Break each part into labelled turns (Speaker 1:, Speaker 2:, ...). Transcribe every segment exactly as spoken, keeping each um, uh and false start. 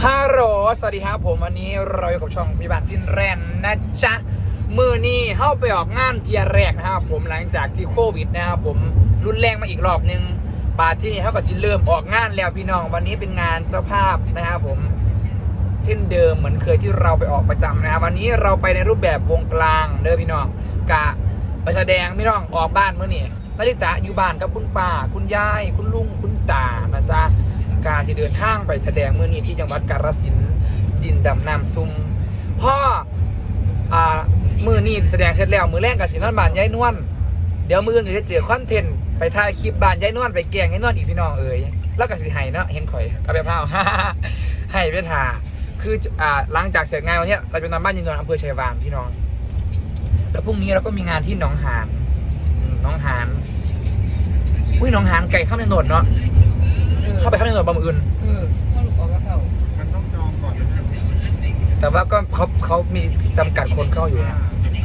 Speaker 1: ฮัลโหลสวัสดีครับผมวันนี้เราอยู่กับช่องพิบัติฟินแลนด์นะจ๊ะมือนี้เข้าไปออกงานเทียแรกนะครับผมหลังจากที่โควิดนะครับผมรุนแรงมาอีกรอบนึงบาทที่นี่เขาก็สิเริ่มออกงานแล้วพี่น้องวันนี้เป็นงานเจ้าภาพนะครับผมเช่นเดิมเหมือนเคยที่เราไปออกประจำนะครับวันนี้เราไปในรูปแบบวงกลางเด้อพี่น้องกะไปแสดงพี่น้องออกบ้านเมื่อนี่นาฬิตาอยู่บ้านกับคุณป้าคุณยายคุณลุงคุณตานะจ๊ะกาที่เดินทางไปแสดงเมื่อนี้ที่จังหวัดกาฬสินธุ์ดินดำน้ำซุ่มพ่ออ่ามือนี้แสดงเสร็จแล้วมือแรกกับสินนบ้านยายนวลเดี๋ยวมืออื่นจะเจอคอนเทนต์ไปถ่ายคลิปบ้านยายนวลไปแกงยายนวลอีกพี่น้องเอ๋ยแล้วก็สิไห้เนาะเห็นข่อยเอาไปเผา ให้ไปถ่าคืออ่าหลังจากเสร็จงานวันนี้เราจะนอนบ้านยายนวลอำเภอชัยวานพี่น้องแล้วพรุ่งนี้เราก็มีงานที่หนองหานหนองหานอุ้ยหนองหานไก่ข้ามถนนเนาะเข้าไปข้ามถนนบางอื่น
Speaker 2: มันต้องจองก่อนนะ
Speaker 1: แต่ว่าก็เขาเขามีจำกัดคนเข้าอยู่นะ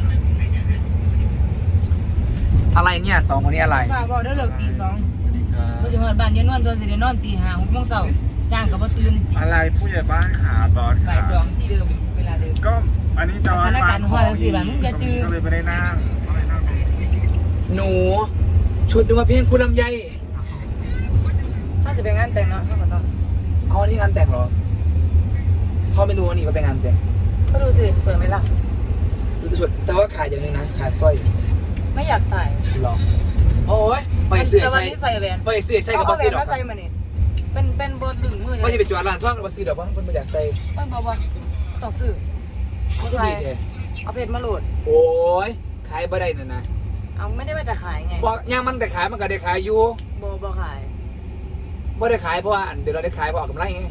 Speaker 1: อะไรเนี่ยสองคนนี้อะไร
Speaker 3: ฝากบอกได้เลิกตีสองตัวสิมาบ้านยายนวลตัวสิได้นอนตีห้าหกโมงเช้าจ้างกับบ่ตื่น
Speaker 2: อะไรผู้ใหญ่บ้านขาบอส
Speaker 3: บ่ายสองที่เดิมเวลาเดิม
Speaker 2: ก็อันนี้จอง
Speaker 3: คณะการหัวจังสิล่ะมึงอย่าจื้อ
Speaker 2: ก็เลยไม่ได้นั่งก็เลยนั่ง
Speaker 1: หนูชุดดูว่าเพียงคุณลำไย
Speaker 3: ถ้าจะไปงานแต่งเนาะเขาก็ต้อง
Speaker 1: อ๋อนี่งานแต่งเหรอพ่อไม่รู้ว่านี่มันเป็นงานแต่ง
Speaker 3: ก็ดูสิสวยไหมล่ะ
Speaker 1: ชุดแต่ว่าขาดอย่างหนึงนะขาดสร้อย
Speaker 3: ไม่อยากใส่
Speaker 1: หรอโอ้ยไปเสื้อ
Speaker 3: แต่วั
Speaker 1: ใส่
Speaker 3: นนี้ใส่แหวน
Speaker 1: ไปเสื้อใส่กับบอส
Speaker 3: เอาแหว
Speaker 1: ซี่
Speaker 3: น
Speaker 1: ดอก
Speaker 3: มาใส่มานี่เป็นเป็นโบดึงมือ
Speaker 1: ว่า
Speaker 3: เล
Speaker 1: จะ
Speaker 3: ย
Speaker 1: ไปจวดร้านท่องกับบอสซี่ดอกเพราะคนไม่อยากใส่
Speaker 3: มันบอกว่าต้องซื้อ
Speaker 1: ก็
Speaker 3: ใส่
Speaker 1: ดีใช่
Speaker 3: เอาเพชรมาโหลด
Speaker 1: โอ้ยขายบ่ได้นั่นนะ
Speaker 3: เอาไม่ได้ว่าจะขายไง
Speaker 1: บอกย่างมันแต่ขายมันก็ได้ขายอยู่
Speaker 3: โบบ่ขาย
Speaker 1: บ่ได้ขายเพราะว่าอันเดี๋ยวเราได้ขายเพราะออกกำไรไง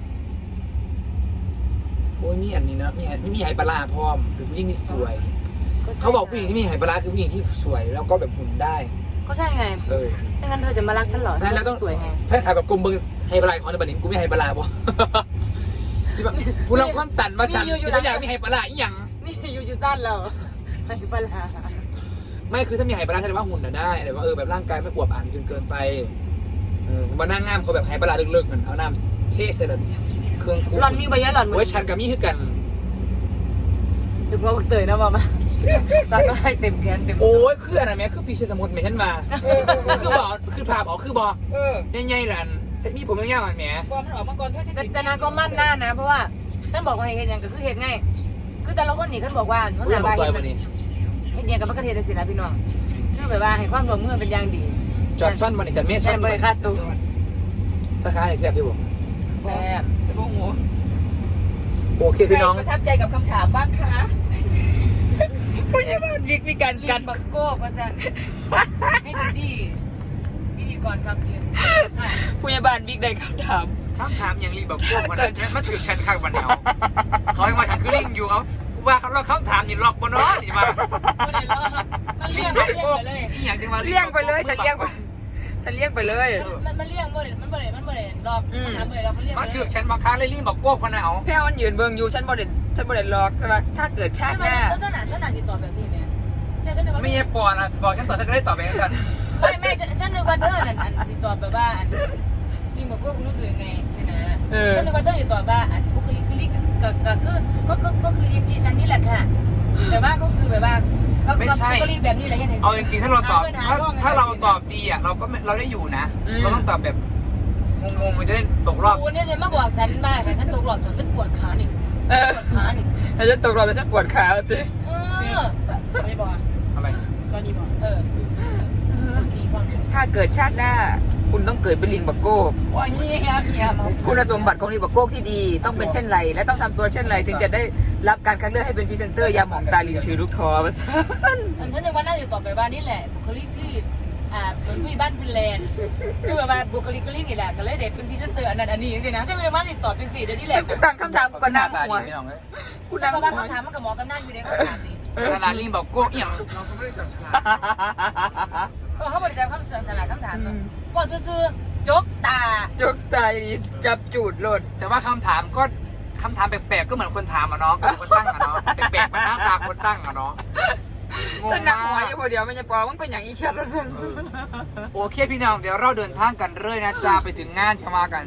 Speaker 1: โอ้ยมีอันนี้นะมีไม่มีไหปลาร้าพร้อมเป็นผู้หญิงที่สวย
Speaker 3: ใช่
Speaker 1: เขาบอกผู้หญิงที่มีไหปลาร้าคือผู้หญิงที่สวยแล้วก็แบบหุ่นได้
Speaker 3: ก็ใช่ไง
Speaker 1: เออ
Speaker 3: ไม่งั้นเธอจะมารักฉันเหรอ
Speaker 1: นั่นแล้วต้อง
Speaker 3: สวยไง
Speaker 1: ถ้าขายกับกลมเบิ้งไหปลาร้าของในบัดนี้กูไม่ไหปลาร้าบ่ สิแบบกูลองความตันมาสั่นสิไม่อยากมีไหปลาร้าอีหยัง
Speaker 3: นี่อยู่จุสั้นเราไม่ปลา
Speaker 1: ไม่คือถ้ามีไหปลาร้าแสดงว่าหุ่นน่ะได้แต่ว่าเออแบบร่างกายไม่อวบอันจนเกินไปเออมานั่งงามเขาแบบไหปลาร้าลึกๆนั่นเอาน้ำเทใส่แล้วเครื่องคู
Speaker 3: หล่อนมีใบยะหล่อน
Speaker 1: โอ้ยฉันกับมี่คือกัน
Speaker 3: หรือเพราะเตยนะมามาซักให้เต็มแขนเต็ม
Speaker 1: โอ้ยคืออันนั้นแม่คือพีเชสมุดแม่ฉันมาคือบอกคือภาพออกคือบอก
Speaker 3: เออ
Speaker 1: ใหญ่ๆหลานเซ็ตมีผมยาวๆอันแหม
Speaker 3: บอมันออกมาก่อนถ้าจะแต่นางก็มั่นหน้านะ เพราะว่าฉันบอกว่าเห็นอย่างก็คือเห็นไงคือแต่ละคนนี่ฉันบอกว่าเขา
Speaker 1: อุ้
Speaker 3: ห
Speaker 1: ย
Speaker 3: นา
Speaker 1: บอก
Speaker 3: บาย
Speaker 1: ตัว
Speaker 3: เห็น
Speaker 1: วันนี้
Speaker 3: เห็นอย่างกับมะเขือเทศสินะพี่น้องคือแบบว่าให้ความร่วมมือเป็นอย่างดี
Speaker 1: จอดช่อนวันนี้จอดเมฆช่
Speaker 3: ใช่
Speaker 1: อน
Speaker 3: บริค่าตัว
Speaker 1: สาขาไหนเสียบพี่บอก
Speaker 3: แซ่บสมองหัว
Speaker 1: โอเคพี่น้อง
Speaker 3: ประทับใจกับคำถามบ้างคะผู้ใหญ่บ้านวิกมีการกันบักโก้มาสั่นให้ดูดีพิธีกรครับพี่ผู้ใหญ่บ้านวิกได้คำถาม
Speaker 1: คำถามอย่างรีบอกพวกมันมันถือฉันข้างวันเดียวเขาให้มาฉันคือลิงอยู่เอาว่าเขาเราคำถามนี่หลอกบนน้อนี่มา
Speaker 3: มันเลี่ยงไปเลี่ยงไปเลย
Speaker 1: อีหยังจังมา
Speaker 4: เลี่ยงไปเลยฉันเลี่ยงไปฉันเลี่ยงไปเลย
Speaker 3: มันมันเลี่ยงบ่เลยมันบ่เลยมันบ่เลยรอบมันหาบ่เลยรอบมันเลี่ยง
Speaker 1: มาถือฉันมาค้าเลยลิงบอกโก้คนเอา
Speaker 4: แพ้วมันยืนเบิงอยู่ฉันบอดฉันบอดล็อกใช่ไหมถ้าเกิดชาติหน้า
Speaker 3: แล้วขนาดขนาดติดต่อแบบนี้เนี่ยเนี่ยฉันนึกว่า
Speaker 1: ไม่ใช่ปอนะบอกฉันต่อฉันก็ได้ตอบไปสั้น
Speaker 3: ไม่ไม่ฉันนึกว่าเธออันอันติดต่อแบบว่าอันรีโมทก็รู้สึกยังไงใช่ไหมฉันนึกว่าเธอติดต่อว่าอันบุคลิกคือลิกก็ก็คือก็ก็ก็คือดิฉันนี่แหละค่ะแต่ว่าก็คือแบบว่าก็บุคลิกแบบนี้แหละเห็นไหม
Speaker 1: เอาจริงๆถ้าเราตอบถ้าถ้าเราตอบดีอ่ะเราก็เราได้อยู่นะเราต้องตอบแบบงงๆมันจะได้ตกรอบ
Speaker 3: กูเนี่ยจะมาบอกฉันบ้าค่ะฉันตกหลอดฉันปวดขานี่
Speaker 4: เออ
Speaker 3: ปวดขานี่
Speaker 4: แล้วฉันตกรอบแล้วฉันปวดขาสิ
Speaker 3: เออไม่บอก
Speaker 1: อะไร
Speaker 3: ก็นี่บอกเออกี่ความ
Speaker 4: ถ้าเกิดชาติหน้า คุณต้องเกิดเป็นลิงบักโก้
Speaker 3: ว่าเงี้ยเงี้ยมา
Speaker 4: คุณสมบัติของลิงบักโก้ที่ดี ต้องเป็นเช่นไร และต้องทำตัวเช่นไรถึงจะได้รับการคัดเลือกให้เป็นพรีเซนเตอร์ยาหมองตาลิงถือลูกคอมาซะ
Speaker 3: อันฉันนึกว่าน่าจะตอบไปว่านี่แหละบุคลิกที่อ่าเป็นผู้บ้านฟินแลนด์คือแบบว่าบุคลิกก็ลิงนี่แหละก็เลยเด็ดเป็นพรีเซนเตอร์อันนั้นอันนี้จริงๆนะฉันนึกว่าติดต่อเป็นสี่เดือนที่แหละ
Speaker 4: กูตั้งคำถามกูก็นั่งหัว
Speaker 1: ไม่ลองเลย
Speaker 4: กู
Speaker 3: ฉั
Speaker 4: นั่
Speaker 3: น
Speaker 4: ง
Speaker 3: ก็
Speaker 4: หั
Speaker 3: ว่าว คำถามมันกับหมอกับหน้าอยู่ในคำถามนี่
Speaker 1: ขนาดลิงบอกโก้เอียงเราก็ไม่ได้จับฉลาก
Speaker 3: เออเขาบริจาคคำฉลาดคำถามเนาะบอกซื้อๆจกตา
Speaker 4: จกตายจับจูดหล่น
Speaker 1: แต่ว่าคำถามก็คำถามแปลกๆก็เหมือนคนถามอะเนาะคนตั้งอะเนาะแปลกๆมันหน้าตาคนตั้งอะเนาะ
Speaker 4: ฉันนั่งหัวอยู่คนเดียวไม่ใช่ปอมึงเป็นอย่างอีแคทแล้วสิ
Speaker 1: โอเคพี่น้องเดี๋ยวเราเดินทางกันเรื่อยนะจ๊ะไปถึงงานจะมากัน